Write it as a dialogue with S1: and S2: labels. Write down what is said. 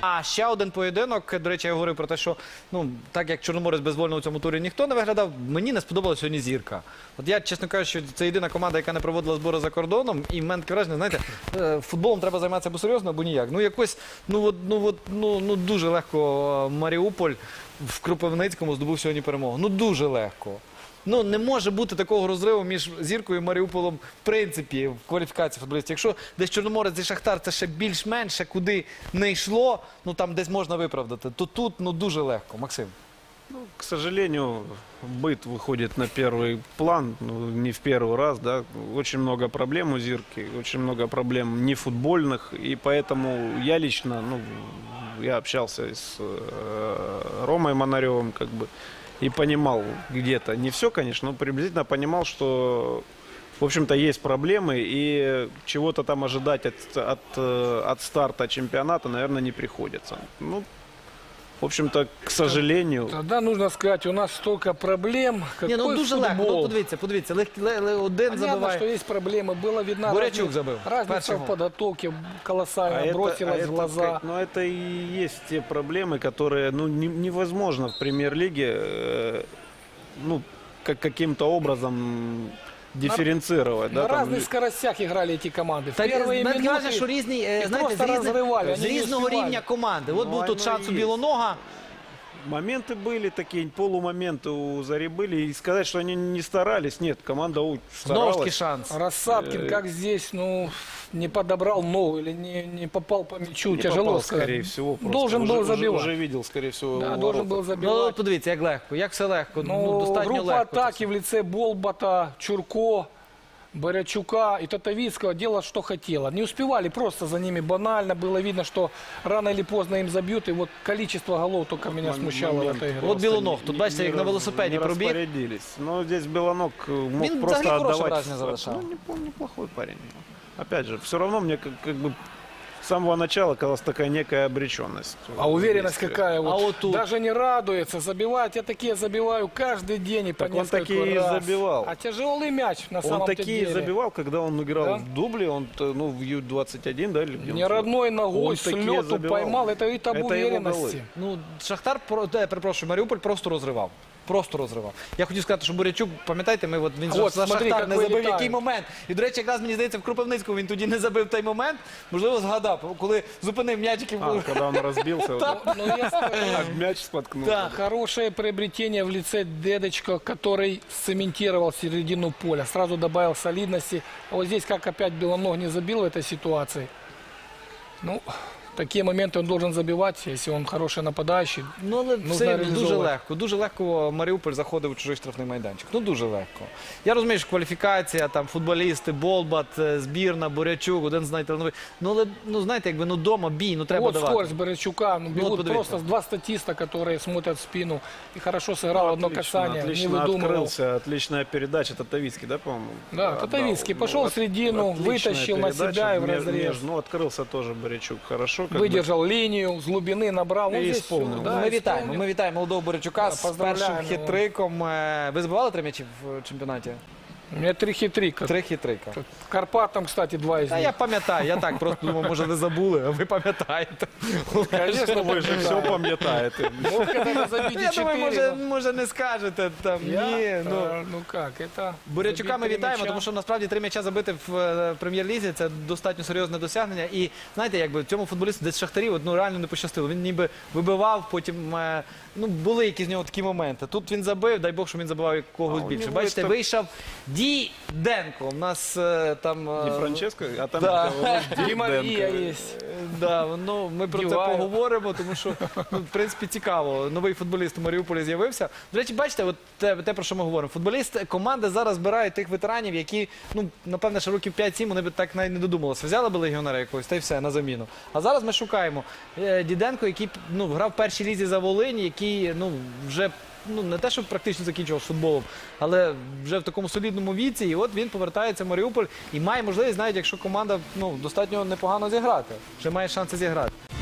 S1: А ще один поєдинок, до речі, я говорив про те, що так як Чорноморець безвольно у цьому турі ніхто не виглядав, мені не сподобалася сьогодні Зірка. От я, чесно кажучи, це єдина команда, яка не проводила збори за кордоном, і в мене таке враження, знаєте, футболом треба займатися або серйозно, або ніяк. Якось, дуже легко Маріуполь в Кропивницькому здобув сьогодні перемогу. Дуже легко. Не може бути такого розриву між Зіркою і Маріуполем, в принципі, в кваліфікації футболістів. Якщо десь Чорноморець і Шахтар це ще більш-менш, куди не йшло, там десь можна виправдати, то тут дуже легко. Максим.
S2: К сожалению, быт выходит на первый план, не в первый раз, да. Очень много проблем у Зирки, очень много проблем не футбольных, и поэтому я лично, я общался с Ромой Монаревым, и понимал где-то, не все, конечно, но приблизительно понимал, что, в общем-то, есть проблемы, и чего-то там ожидать от старта чемпионата, наверное, не приходится. В общем-то, к сожалению...
S3: Тогда нужно сказать, у нас столько проблем.
S1: Ні, дуже легко. Подивіться, один забиває.
S3: Понятно, что есть проблемы. Было видно
S1: Бурячук забил.
S3: разница в подготовке колоссальная, бросилась в глаза.
S2: Но это и есть те проблемы, которые невозможно в премьер-лиге каким-то образом дифференцировать.
S3: На разных скоростях играли эти команды. В первые
S1: Мене
S3: минуты
S1: каже, що різні,
S3: их
S1: знаєте,
S3: просто разрывали.
S1: з різного рівня команди. От був тут шанс у Білонога.
S2: Моменты были такие, полумоменты у Зари были. И сказать, что они не старались, нет, команда старалась.
S1: Знову шанс.
S3: Рассадкин, как здесь, не подобрал ногу или не попал по мячу,
S2: Не
S3: тяжело
S2: попал,
S3: сказать.
S2: скорее всего.
S3: Должен был забивать.
S2: Уже видел, скорее всего,
S3: Да,
S2: ворота.
S3: должен был забивать.
S1: Подивіться, як легко, як все легко. Достатньо
S3: Группа
S1: легко.
S3: атаки в лице Болбата, Чурко, Борячука и Татовицкого делала, что хотела. Не успевали просто за ними банально. Было видно, что рано или поздно им забьют. И вот количество голов только меня смущало в этой игре.
S1: От Білоног, тут бачите, як на велосипеді пробіг.
S2: Распорядились. Но здесь Белоног мог просто отдавать. Неплохой парень. Опять же, все равно мне с самого начала казалась такая некая обреченность.
S3: А уверенность какая?
S1: вот тут.
S3: Даже не радуется, забивать. Я такие забиваю каждый день и по
S2: Так он
S3: несколько
S2: такие
S3: раз.
S2: забивал.
S3: А тяжелый мяч на самом
S2: Он
S3: деле.
S2: такие забивал, когда он играл
S3: Да?
S2: в дубле, он в Ю-21, да? Или где он
S3: Не родной ногой
S2: Он
S3: с
S2: такие
S3: лету
S2: забивал.
S3: поймал. Это и об
S2: Это его
S3: уверенности.
S1: Шахтар, перепрошую, Маріуполь просто розривав. Просто розривав. Я хотів сказати, що Бурячук, пам'ятаєте, він за
S3: смотри,
S1: Шахтар не
S3: як
S1: забив
S3: вилітає.
S1: який момент. І, до речі, якраз, мені здається, в Кропивницькому він тоді не забив той момент. Можливо, згадав, коли зупинив м'ячики.
S2: когда он разбился, мяч споткнулся.
S3: Да, хорошее приобретение в лице Дедочка, который цементировал середину поля. Сразу добавил солидности. А вот здесь, как опять Белоног не забил в этой ситуации. Такие моменты он должен забивать, если он хороший нападающий.
S1: Але все дуже
S3: реалізовувати.
S1: легко. Дуже легко Маріуполь заходив у чужий штрафний майданчик. Дуже легко. Я розумію, що кваліфікація, там футболісти, Болбат, збірна, Бурячук, один з найталановитіших. Але, знаєте, дома бій, треба
S3: Вот
S1: давати.
S3: скорость Борячука. Бегут
S1: подивіться.
S3: просто два статиста, которые смотрят в спину. И хорошо сыграл одно касание.
S2: Отлично
S3: не выдумывал.
S2: открылся, отличная передача. Татовицкий, да, по-моему?
S3: Да, Татовицкий пошел в середину, вытащил на себя и в разрез.
S2: Открылся тоже Борячук хорошо.
S3: Выдержал линию, с глубины набрал.
S2: И
S3: Здесь
S2: исполнил.
S3: всё, да,
S1: Ми вітаємо молодого Борячука з
S3: поздравляємо
S1: першим хитриком. Ви забивали 3 м'ячі в чемпіонаті?
S3: У меня 3 хитрика.
S1: 3 хитрика.
S3: Карпатам, кстати, 2 из
S1: Та
S3: них.
S1: я пам'ятаю, я так просто думав, може не забули, а ви пам'ятаєте.
S2: Конечно, вы же все пам'ятаете.
S3: Мог когда забить
S1: Я
S3: 4.
S1: думаю, може не скажете там. Ні,
S3: Ну как, это...
S1: Бурячука ми
S3: забить 3
S1: вітаємо,
S3: мяча.
S1: тому що насправді 3 м'яча забити в прем'єр-лізі – це достатньо серйозне досягнення. І знаєте, цьому футболісту десь Шахтарів реально не пощастило. Він ніби вибивав, потім були якісь в нього такі моменти. Тут він забив, дай Бог, що він забивав якогось
S2: у
S1: більше.
S2: нього
S1: Бачите,
S2: це-
S1: Діденко. У нас там...
S2: Не Франческо, а там
S1: Да.
S3: Ди Мария есть.
S1: Да, ми про це
S3: Діваєв.
S1: поговоримо, тому що, в принципі, цікаво. Новий футболіст у Маріуполі з'явився. До речі, бачите, от те, про що ми говоримо. Команди зараз збирають тих ветеранів, які, напевне, ще років 5-7 вони б так навіть не додумалися. Взяли б легіонера якогось, та й все, на заміну. А зараз ми шукаємо Діденко, який грав в першій лізі за Волинь, який вже не те, що практично закінчував з футболом, але вже в такому солідному віці. І от він повертається в Маріуполь і має можливість, навіть якщо команда достатньо непогано зіграти. Вже має шанси зіграти.